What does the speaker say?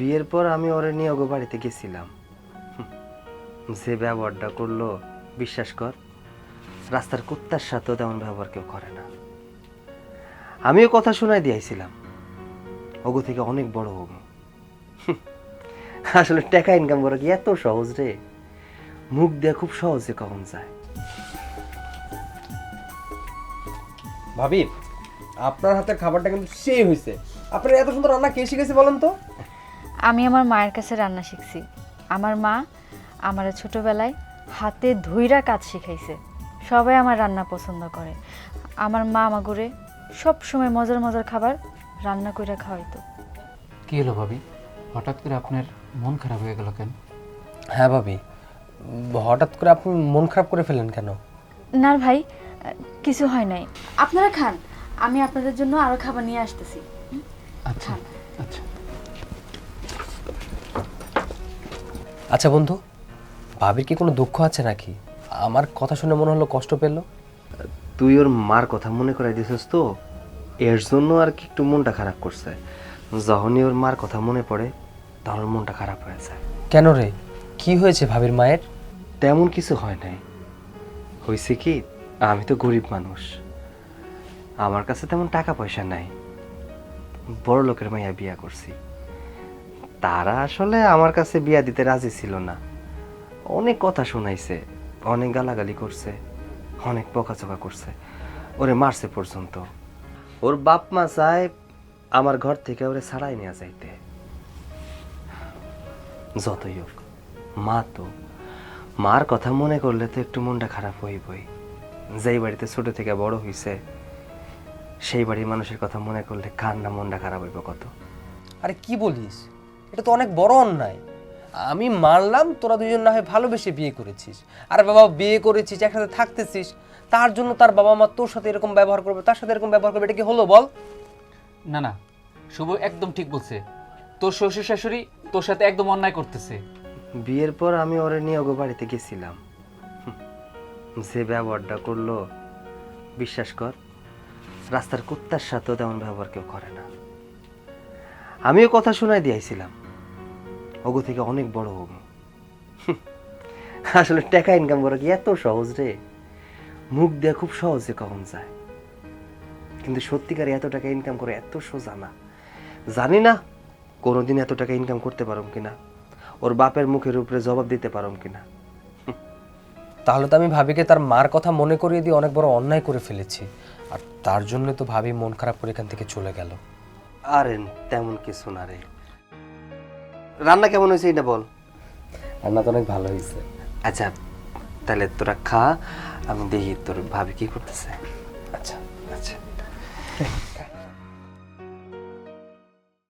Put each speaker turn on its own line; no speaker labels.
বিয়ের পর আমি ওরে নিয়ে ওগো বাড়িতে গেছিলাম। যে ব্যবহারটা করলো বিশ্বাস কর, রাস্তার কুত্তার সাথেও তেমন ব্যবহার কেউ করে না। আমিও কথা শোনাই দিয়েছিলাম, ওগো থেকে অনেক বড় হবো। আসলে টাকা ইনকাম করা কি এত সহজ রে? মুখ দিয়ে খুব সহজে কখন যায়।
ভাবি, আপনার হাতের খাবারটা কিন্তু সেই হয়েছে। আপনার এত সুন্দর রান্না কে শিখেছে বলেন তো?
আমি আমার মায়ের কাছে রান্না শিখছি। আমার মা আমার ছোটবেলায় হাতে ধুইরা কাজ শিখাইছে। সবাই আমার রান্না পছন্দ করে। আমার মা আমাগুরে সব সময় মজার মজার খাবার রান্না কইরা খাওয়াইতো।
কি হলো ভাবি, হঠাৎ করে আপনার মন খারাপ হয়ে গেল কেন?
হ্যাঁ ভাবি, হঠাৎ করে আপনি মন খারাপ করে ফেলেন কেন?
না ভাই, কিছু হয় নাই। আপনারা খান, আমি আপনাদের জন্য আরো খাবার নিয়ে আসতেছি।
আচ্ছা আচ্ছা।
আচ্ছা বন্ধু, ভাবির কি কোনো দুঃখ আছে নাকি? আমার কথা শুনে মনে হলো কষ্ট পেল।
তুই ওর মার কথা মনে করাই দিছিস তো, এর জন্য আর কি একটু মনটা খারাপ করছে। যখনই ওর মার কথা মনে পড়ে তখন ওর মনটা খারাপ হয়ে যায়।
কেন রে, কি হয়েছে ভাবির মায়ের?
তেমন কিছু হয় নাই। হয়েছে কি, আমি তো গরিব মানুষ, আমার কাছে তেমন টাকা পয়সা নাই। বড় লোকের মাইয়া বিয়া করছি। তারা আসলে আমার কাছে বিয়া দিতে রাজি ছিল না। অনেক কথা শোনাইছে, অনেক গালাগালি করছে, অনেক বকাচকা করছে, ওরে মারছে পর্যন্ত। ওর বাপ মা চায় আমার ঘর থেকে ওরে ছাড়াই নিয়ে যাইতে। যতই হোক মা তো, মার কথা মনে করলে তো একটু মনটা খারাপ হইবই। যেই বাড়িতে ছোট থেকে বড় হইছে সেই বাড়ির মানুষের কথা মনে করলে কার না মনটা খারাপ হইব কত।
আরে কি বলিস, এটা তো অনেক বড় অন্যায়। আমি মানলাম তোরা দুজন না হয় ভালোবেসে বিয়ে করেছিস, আরে বাবা বিয়ে করেছিস, একসাথে থাকতেছিস, তার জন্য তার বাবা মা তোর সাথে এরকম ব্যবহার করবে, তার সাথে এরকম ব্যবহার করবে, এটা কি হলো বল?
না না, শুভ একদম ঠিক বলছে। তোর শ্বশুর শাশুড়ি তোর সাথে একদম অন্যায় করতেছে।
বিয়ের পর আমি ওরে নিয়ে ওগো বাড়িতে গেছিলাম। যে ব্যবহারটা করলো বিশ্বাস কর, রাস্তার কুত্তার সাথেও তেমন ব্যবহার কেউ করে না। আমিও কথা শোনাই দিয়েছিলাম, ওগো থেকে অনেক বড় হবো। আসলে টাকা ইনকাম করা কি এত সহজ রে? মুখ দিয়ে খুব সহজে কখন যায়, কিন্তু সত্যিকারে এত টাকা ইনকাম করে এত সোজা না। জানি না কোনোদিন এত টাকা ইনকাম করতে পারম কিনা, ওর বাপের মুখের উপরে জবাব দিতে পারম কিনা।
তাহলে তো আমি ভাবিকে তার মার কথা মনে করিয়ে দিয়ে অনেক বড় অন্যায় করে ফেলেছি, আর তার জন্য তো ভাবি মন খারাপ করে এখান থেকে চলে গেল।
আরে তেমন কিছু না রে। রান্না কেমন হয়েছে এটা বল।
রান্না তো অনেক ভালো হয়েছে।
আচ্ছা তাহলে তোরা খা, আমি দেখি তোর ভাবি কি করতেছে।
আচ্ছা
আচ্ছা